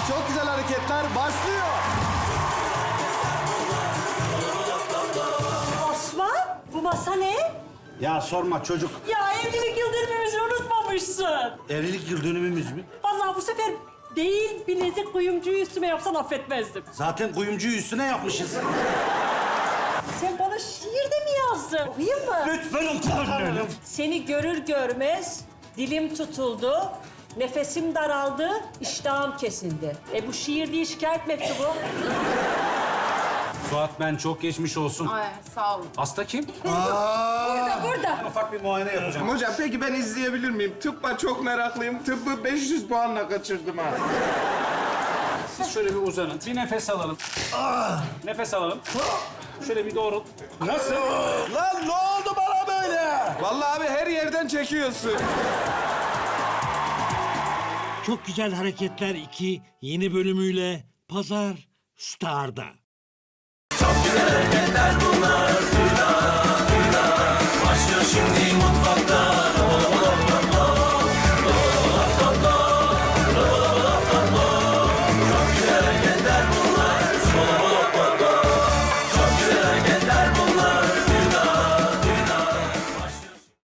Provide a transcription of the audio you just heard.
Çok güzel hareketler başlıyor. Osman, bu masa ne? Ya sorma çocuk. Ya evlilik yıl dönümümüzü unutmamışsın. Evlilik yıl dönümümüz mü? Vallahi bu sefer değil bilezik kuyumcuyu üstüme yapsan affetmezdim. Zaten kuyumcuyu üstüne yapmışız. Sen bana şiir de mi yazdın? Okuyayım mı? Lütfen utanırım. Seni görür görmez dilim tutuldu, nefesim daraldı, iştahım kesildi. Bu şiir değil, şikayet mektubu. Suat ben çok geçmiş olsun. Ay sağ olun. Hasta kim? Burada. Ufak bir muayene yapacağım. Hocam peki ben izleyebilir miyim? Tıbba çok meraklıyım. Tıbbı 500 puanla kaçırdım ha. Siz şöyle bir uzanın. Bir nefes alalım. Nefes alalım. Şöyle bir doğrul. Nasıl? Lan ne oldu bana böyle? Vallahi abi her yerden çekiyorsun. Çok Güzel Hareketler 2 yeni bölümüyle Pazar Star'da. Çok güzel